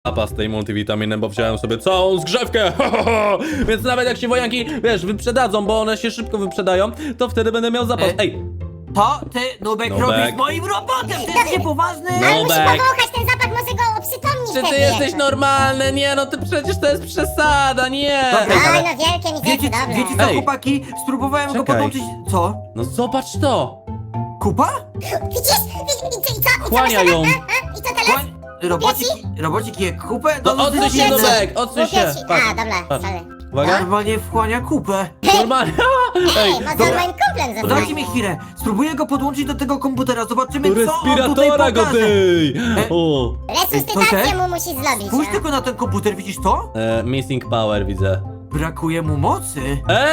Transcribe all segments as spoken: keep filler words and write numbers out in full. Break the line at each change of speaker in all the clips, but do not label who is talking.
zapas tej multivitaminy, bo wziąłem sobie całą zgrzewkę. Więc nawet jak się wojanki, wiesz, wyprzedadzą, bo one się szybko wyprzedają, to wtedy będę miał zapas. Ej,
To ty, Nubek,
Nubek.
robisz moim robotem, ty jesteś niepoważny?
No.
Ale musi
Nubek.
powąchać ten zapach, może go oprzytomnić
czy ty
wtedy
jesteś
jakoś.
normalny? Nie, no ty przecież to jest przesada, nie.
Dobra.
Ej,
Oj,
ale...
no wielkie mi
Wiecie,
serce,
wiecie
dobra.
co,
Ej.
chłopaki? Spróbowałem go
Czekaj.
podłączyć... Co?
No zobacz to.
Kupa?
Widzisz? Widzisz? I co? I co? I co
Chłania
masz
ją.
teraz? A? A? I co teraz?
Chłoń- Robocik, robocik je kupę?
No
to
odsuń
jest
się,
dziwne.
Nubek, odsuń się.
Łupię ci.
Patrz,
A, dobra,
patrz.
sorry.
Uwaga.
Normalnie wchłania kupę.
Normalnie.
Ej,
Ej,
może
dobra.
moim kumplem
Dajcie
zostać.
mi chwilę. Spróbuję go podłączyć do tego komputera. Zobaczymy,
do
co on tutaj
respiratora go,
pokaże.
ty.
E,
O.
Resuscytację
Ej,
mu musi zrobić.
Spójrz
no.
tylko na ten komputer, widzisz to?
E, missing power widzę.
Brakuje mu mocy.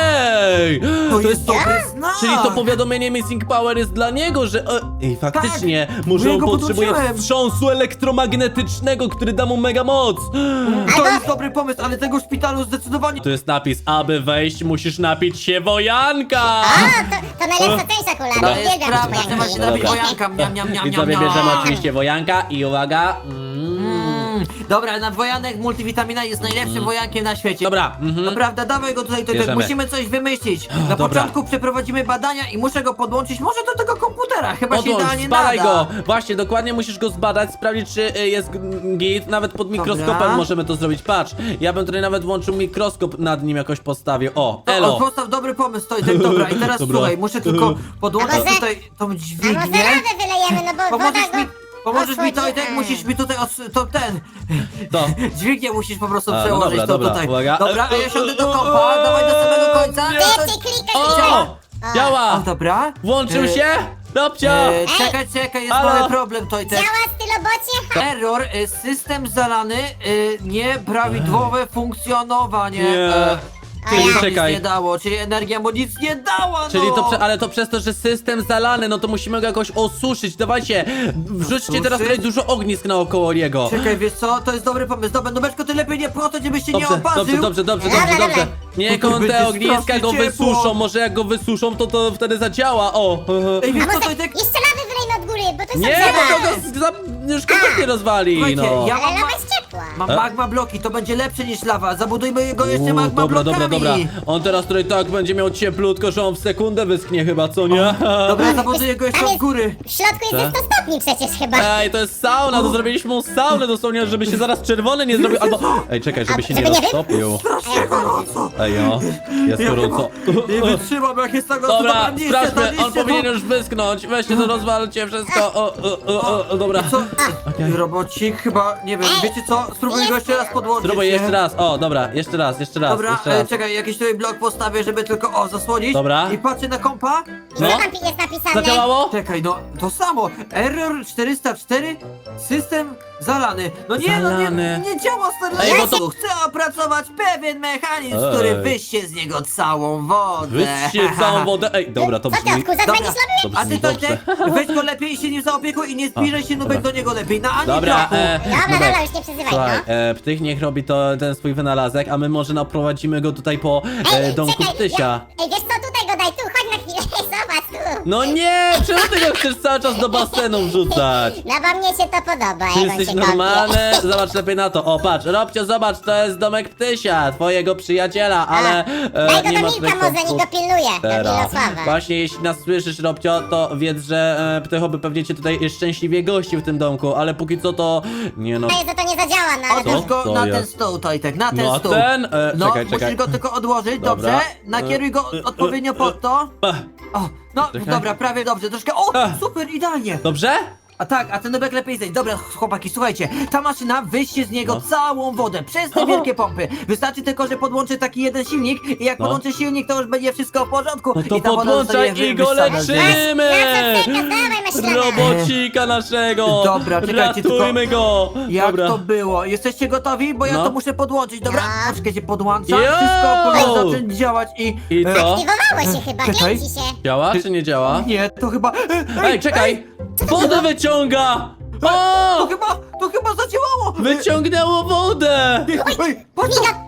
Ej!
To, jest dobry znak.
Czyli to powiadomienie Missing Power jest dla niego, że... E, ej, faktycznie, może
bo ja
on
go
potrzebuje
podłączyłem.
wstrząsu elektromagnetycznego, który da mu mega moc.
To
Albo-
jest dobry pomysł, ale tego w szpitalu zdecydowanie...
Tu jest napis, aby wejść musisz napić się wojanka.
A, to, to najlepsza część akurat.
To
nie
jest
biegam
prawda,
po
trzeba się
janki.
napić
Dobra.
wojanka. Miam, miam, miam,
I
miam,
sobie
miam.
bierzemy oczywiście wojanka i uwaga. Mm.
Mm, Dobra, na wojanek multivitamina jest najlepszym wojankiem na świecie.
Dobra, mhm.
Naprawdę, dawaj go tutaj, tutaj.
Bierzemy.
Musimy coś wymyślić. Na
Dobra.
początku przeprowadzimy badania i muszę go podłączyć może do tego komputera. Chyba się
Podłącz,
idealnie
zbadaj
nada.
go! Właśnie, dokładnie musisz go zbadać, sprawdzić czy y, jest g- git, nawet pod mikroskopem
Dobra.
możemy to zrobić, patrz. Ja bym tutaj nawet włączył mikroskop nad nim jakoś postawił, o,
To,
elo.
o, postaw dobry pomysł, to, tak, dobra. I teraz
Dobra.
słuchaj, muszę tylko podłączyć
A może-
tutaj tą
A może
dźwignię.
radę wylejemy, no bo woda
Pomożesz
go...
mi, pomożesz mi to i tak
odchodzi.
musisz mi tutaj od, to ten.
To.
Dźwignię musisz po prostu
A, no
przełożyć
dobra,
to
dobra,
tutaj.
uwaga.
Dobra, a ja siądę do kompa, dawaj do samego końca.
Ty,
To-
ty, klikaj,
O!
klikaj.
O,
Działa!
dobra.
Włączył
E,
się? Robcio!
E, czekaj, czekaj, jest
Halo?
mały problem, to i tak.
Działa stylobocie?
Error, e, system zalany, e, nieprawidłowe funkcjonowanie.
Nie.
E,
Czyli
czyli to
czekaj.
nic nie dało, czyli energia mu nic nie dała, no.
Czyli to, prze, ale to przez to, że system zalany, no to musimy go jakoś osuszyć. Dawajcie, wrzućcie teraz tutaj dużo ognisk naokoło niego.
Czekaj, wiesz co, to jest dobry pomysł. Dobra, Nubeczko, ty lepiej nie po to, żebyś się nie
Dobrze,
oparzył.
dobrze, dobrze, dobrze,
Dobra,
dobrze,
dobra.
dobrze. Niech
To
on
będzie
te ogniska
strasznie
go
ciepło.
wysuszą, może jak go wysuszą, to to wtedy zadziała, o.
Ej, wiesz
A
co,
może
to i tak...
jeszcze lawy wylejmy od góry, bo to jest
Nie,
obrzydliwe.
bo to go z- za, już kompletnie rozwali,
Słuchajcie,
no.
ja
Ale
mam,
lawa
ma
jest ciepła.
mam magma bloki, to będzie lepsze niż lawa. Zabudujmy go jeszcze
Uuu,
magma
dobra,
blokami.
dobra, dobra. On teraz tutaj tak będzie miał cieplutko, że on w sekundę wyschnie chyba, co nie?
Dobra, zabuduję go jeszcze
Tam
od
jest-
góry.
W środku jest
Tak?
ze sto stopni przecież chyba.
Ej, to jest sauna, to zrobiliśmy mu saunę dosłownie, żeby się zaraz czerwony nie zrobił, albo... Ej, czekaj, żeby się nie
Żeby nie wy-
roztopił.
Strasznie gorąco.
Ej, o, jest gorąco.
Nie wytrzymam, jak jest tak gorąco.
Dobra,
niszcie
sprawdźmy,
to,
on
niszcie
powinien
to.
już wyschnąć. Weźcie to, rozwalcie wszystko. O, o, o, o, dobra.
Co? Robocik chyba, nie wiem, wiecie co? Spróbuj go jeszcze raz podłączyć.
Spróbuj
nie?
jeszcze raz. O, dobra, jeszcze raz, jeszcze raz,
Dobra,
jeszcze
e,
raz.
czekaj, jakiś tutaj blok postawię, żeby tylko, o, zasłonić.
Dobra.
I patrzę na kompa.
Co
No,
tam pi- jest napisane?
zadziałało?
Czekaj, no, to samo. Error czterysta cztery, system zalany. No nie, no
Zalany.
nie, nie działa stary.
Ej,
Ja
bo to-
tu chcę opracować pewien mechanizm,
Ej.
który wyście z niego całą wodę.
Wyście całą wodę. Ej, dobra, to
Co ty,
brzmi...
odkurzacz
Dobra.
będziesz robił?
To
A ty
brzmi
to
dobrze.
tak, weź go lepiej i się nim zaopiekuj i nie zbliżaj się Nubek
dobra.
do niego lepiej, na ani
Dobra,
kroku.
e,
Dobra,
Nubek,
dobra, już nie przezywaj,
słuchaj,
no.
e, Ptych niech robi to, ten swój wynalazek, a my może naprowadzimy go tutaj po e, domku
czekaj,
Ptysia.
ja- Ej, wiesz co, tutaj go daj, tu, chodź na chwilę, zobacz tu.
No nie, czemu ty go chcesz cały czas do basenu wrzucać?
No bo mnie się to podoba,
Ty
jak on
jesteś
się kąpie.
normalny? Zobacz lepiej na to. O, patrz, Robcio, zobacz, to jest domek Ptysia, twojego przyjaciela, ale
Daj
e,
go
nie
do
ma
Milka
tutaj
może, niech
kątków.
go pilnuje, do
Teraz.
Milosława.
Właśnie, jeśli nas słyszysz, Robcio, to wiedz, że e, Ptycho by pewnie cię tutaj szczęśliwie gościł w tym domku, ale póki co to... Nie no...
Daję, że to nie zadziała, no ale
Co?
Odłóż go
To
na
jest.
ten stół, Tojtek, na ten
No a
stół.
ten? E,
No,
czekaj,
musisz
czekaj.
go tylko odłożyć,
Dobra.
dobrze? Nakieruj go
E, e,
odpowiednio
e,
pod to.
Ech,
O, no,
Czekaj.
dobra, prawie dobrze, troszkę, o,
Ech.
super, idealnie.
Dobrze?
A tak, a ten nubek lepiej zejść. Dobra, chłopaki, słuchajcie, ta maszyna wyście z niego
No.
całą wodę, przez te wielkie pompy. Wystarczy tylko, że podłączy taki jeden silnik i jak
No.
podłączy silnik, to już będzie wszystko w porządku.
No to
i ta woda
podłączaj
zostanie
i go
wyssana z niego.
leczymy!
Na co czekasz? Dawaj, maślana.
Robocika naszego!
Dobra, czekajcie,
ratujmy go!
Jak
Dobra.
to było? Jesteście gotowi? Bo ja
No.
to muszę podłączyć. Dobra,
No.
poczekajcie, podłączam.
Yo!
Wszystko powinno zacząć działać i...
I
e,
co?
Aktywowało się chyba,
Czekaj.
kręci się.
Działa czy nie działa?
Nie, to chyba... e,
Ej, czekaj! Wodę wyciąga!
To
O!
chyba, to chyba zadziałało!
Wyciągnęło wodę!
Ej, ej, patrz,
Miga,
to-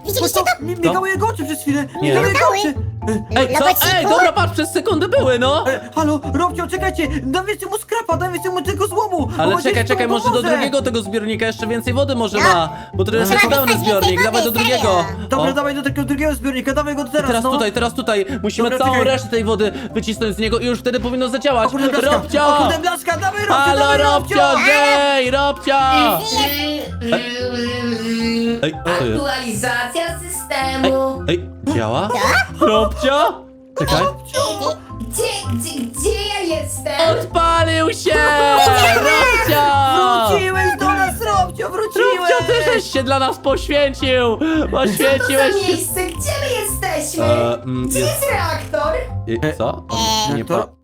Widzieliście to?
Mi- Migały jego oczy przez chwilę.
Nie.
Migały jego
Migały?
oczy. E,
Ej, co?
Robociku?
Ej, dobra, patrz, przez sekundę były, no!
e, Halo, Robcio, czekajcie. Dam więcej mu skrapa, dam więcej mu tego złomu.
Ale
Bo
czekaj,
dziecko
czekaj,
mu
może do
pomoże.
drugiego tego zbiornika jeszcze więcej wody może
No.
ma, bo to jest
Trzeba
pełny
wysłać
zbiornik,
więcej
dawaj do
wody,
drugiego.
serio.
Dobra,
O.
dawaj do takiego drugiego zbiornika, dawaj go
I
teraz,
teraz
no.
tutaj, teraz tutaj, musimy
Dobra,
całą
czekaj.
resztę tej wody wycisnąć z niego i już wtedy powinno zadziałać.
O kurde, blaszka,
Robcio!
o kurde, blaszka, dawaj, Robcio,
Halo,
dawaj,
Robcio, Jay, Robcio! Ej, co jest?
Aktualizacja
Ej,
systemu.
ej, działa? Robcio? Czekaj.
Gdzie, gdzie, gdzie ja jestem?
Odpalił się! Robcio!
Wróciłeś do nas, Robcio, wróciłeś!
Robcio, ty żeś się dla nas poświęcił!
Co to
Poświęciłeś
za
się!
miejsce? Gdzie my jesteśmy?
E, mm,
Gdzie
jest-
jest reaktor?
I- Co?
E,
Nie
to-
po...